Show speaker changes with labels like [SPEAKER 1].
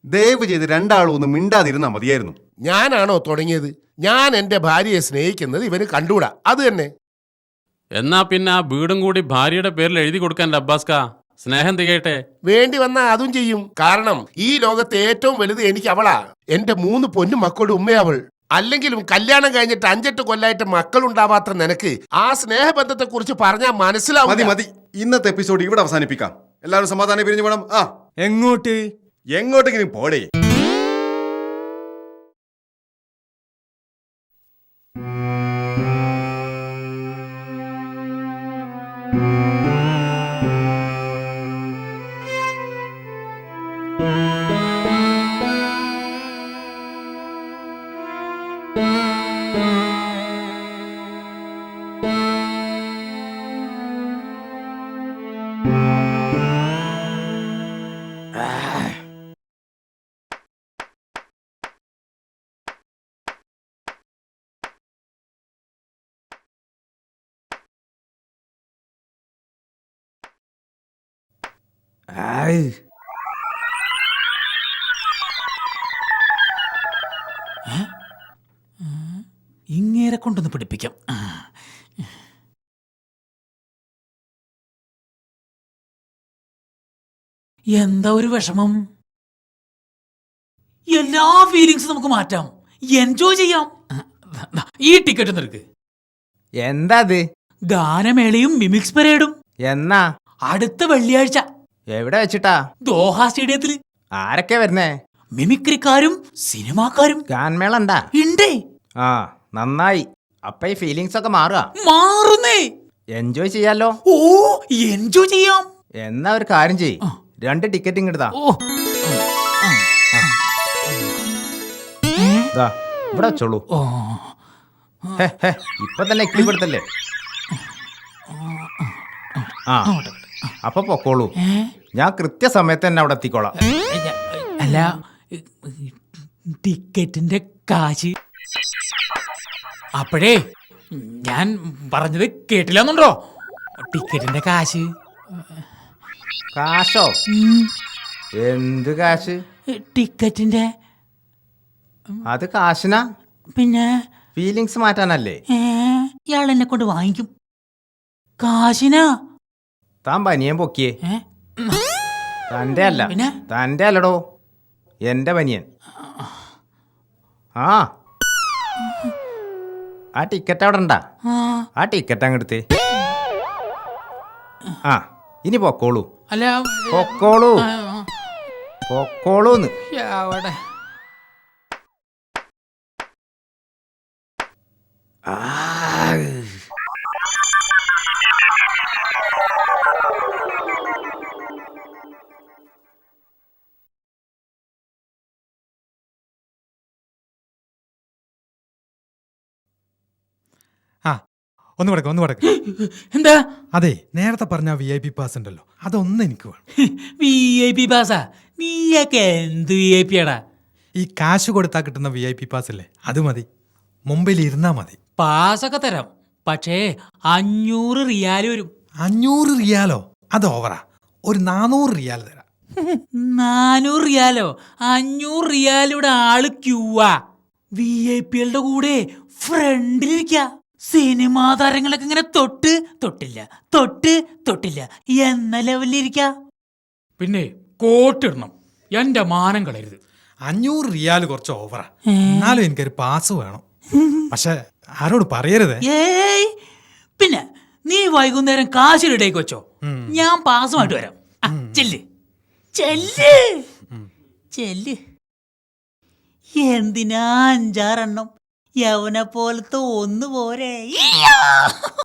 [SPEAKER 1] ദയവ് ചെയ്ത് രണ്ടാളും ഒന്ന് മിണ്ടാതിരുന്നാ മതിയായിരുന്നു.
[SPEAKER 2] ഞാനാണോ തുടങ്ങിയത്? ഞാൻ എന്റെ ഭാര്യയെ സ്നേഹിക്കുന്നത് ഇവന് കണ്ടുകൂടാ, അത് തന്നെ.
[SPEAKER 3] എന്നാ പിന്നെ ആ വീടും കൂടി ഭാര്യയുടെ പേരിൽ എഴുതി കൊടുക്കാൻ അബ്ബാസ്ക, സ്നേഹം തികയട്ടെ.
[SPEAKER 2] വേണ്ടി വന്നാ അതും ചെയ്യും. കാരണം ഈ ലോകത്തെ ഏറ്റവും വലുത് എനിക്ക് അവളാ. എന്റെ 3 പൊന്നു മക്കളുടെ ഉമ്മയവൾ. അല്ലെങ്കിലും കല്യാണം കഴിഞ്ഞിട്ട് 5-8 കൊല്ലായിട്ട് മക്കളുണ്ടാവാത്ത നിനക്ക് ആ സ്നേഹബന്ധത്തെ കുറിച്ച് പറഞ്ഞാൽ മനസ്സിലാവും.
[SPEAKER 1] മതി മതി, ഇന്നത്തെ എപ്പിസോഡ് ഇവിടെ അവസാനിപ്പിക്കാം. എല്ലാവരും സമാധാനം പിരിഞ്ഞു വേണം. എങ്ങോട്ടെങ്കിലും പോടേ.
[SPEAKER 4] ഇങ്ങേരെ കൊണ്ടൊന്ന് പിടിപ്പിക്കാം. എന്താ ഒരു വിഷമം? എല്ലാ ഫീലിങ്സും നമുക്ക് മാറ്റാം, എൻജോയ് ചെയ്യാം. ഈ ടിക്കറ്റ് നിനക്ക്.
[SPEAKER 5] എന്താ അത്?
[SPEAKER 4] ഗാനമേളയും മിമിക്സ് പരേഡും.
[SPEAKER 5] എന്നാ?
[SPEAKER 4] അടുത്ത വെള്ളിയാഴ്ച.
[SPEAKER 5] എവിടെ വെച്ചിട്ടാ?
[SPEAKER 4] ദോഹ സ്റ്റേഡിയത്തില്.
[SPEAKER 5] ആരൊക്കെ വരുന്നേ?
[SPEAKER 4] മിമിക്രിക്കാരും സിനിമാക്കാരും.
[SPEAKER 5] ഗാൻമേള ഉണ്ടാ?
[SPEAKER 4] ഇണ്ടേ.
[SPEAKER 5] ആ, നന്നായി. അപ്പൊ ഈ ഫീലിങ്സ് ഒക്കെ മാറുക?
[SPEAKER 4] മാറുന്നേ.
[SPEAKER 5] എൻജോയ് ചെയ്യാലോ?
[SPEAKER 4] ഓ, എൻജോയ് ചെയ്യാം.
[SPEAKER 5] എന്നാ ഒരു കാര്യം ചെയ്യ്, 2 ടിക്കറ്റ് ഇങ്ങെടുത്താ. ഇവിടെ വെച്ചോളൂ. ഇപ്പൊ തന്നെ ഇക്കിളിപ്പെടുത്തല്ലേ. ആ, അപ്പൊ പൊക്കോളൂ. ഞാൻ കൃത്യസമയത്ത് തന്നെ അവിടെ എത്തിക്കോളാം.
[SPEAKER 4] അല്ല, ടിക്കറ്റിന്റെ കാശ്. അപ്പോഴേ ഞാൻ പറഞ്ഞത് കേട്ടില്ലെന്നുണ്ടോ? ടിക്കറ്റിന്റെ കാശ്.
[SPEAKER 5] കാശോ? എന്ത് കാശ്?
[SPEAKER 4] ടിക്കറ്റിന്റെ.
[SPEAKER 5] അത് കാശിനാ?
[SPEAKER 4] പിന്നെ
[SPEAKER 5] ഫീലിങ്സ് മാറ്റാനല്ലേ?
[SPEAKER 4] ഇയാൾ എന്നെ കൊണ്ട് വാങ്ങിക്കും. കാശിനാ.
[SPEAKER 5] താൻ പനിയൻ പൊക്കിയേ. തന്റെ അല്ല.
[SPEAKER 4] പിന്നെ?
[SPEAKER 5] തന്റെ അല്ലടോ, എന്റെ പനിയൻ. ആ ടിക്കറ്റ് അവിടെ ഉണ്ടാ? ആ ടിക്കറ്റ് അങ്ങെടുത്തേ. ആ, ഇനി പൊക്കോളൂ.
[SPEAKER 4] അല്ല,
[SPEAKER 5] പൊക്കോളൂ, പൊക്കോളൂന്ന്.
[SPEAKER 4] അവിടെ
[SPEAKER 6] ഒന്ന് കിടക്ക്.
[SPEAKER 4] എന്താ?
[SPEAKER 6] അതെ, നേരത്തെ പറഞ്ഞ VIP പാസ് ഉണ്ടല്ലോ, അതൊന്നും എനിക്ക് വേണം.
[SPEAKER 4] VIP പാസാ? നീയൊക്കെ എന്ത് VIP ആടാ?
[SPEAKER 6] ഈ കാശ് കൊടുത്താൽ കിട്ടുന്ന VIP പാസ് അല്ലേ, അത് മതി. മുംബൈയിൽ ഇരുന്നാ മതി.
[SPEAKER 4] പാസൊക്കെ തരാം, പക്ഷേ 500 റിയാൽ വരും.
[SPEAKER 6] 500 റിയാലോ? അത് ഓവറാ. ഒരു 400 റിയാൽ തരാം.
[SPEAKER 4] 400 റിയാലോ? 500 റിയാലിവിടെ ആള് ക്യൂവാ. VIP-കളുടെ കൂടെ ഫ്രണ്ടിലിരിക്ക. സിനിമാ താരങ്ങളൊക്കെ ഇങ്ങനെ തൊട്ടില്ല എന്ന ലെവലിലിരിക്ക. പിന്നെ കോട്ടിടണം, എന്റെ മാനം കളയരുത്.
[SPEAKER 6] 500 റിയാൽ കുറച്ച് ഓവറാ. എന്നാലും എനിക്കൊരു പാസ് വേണം. പക്ഷെ ആരോട് പറയരുതേ.
[SPEAKER 4] ഏയ്, പിന്നെ നീ വൈകുന്നേരം കാശിലിടേക്ക് വെച്ചോ, ഞാൻ പാസുമായിട്ട് വരാം. ചെല്ല്. എന്തിനാ 5-6 എണ്ണം? യവനെ പോലത്തെ ഒന്ന് പോരെ.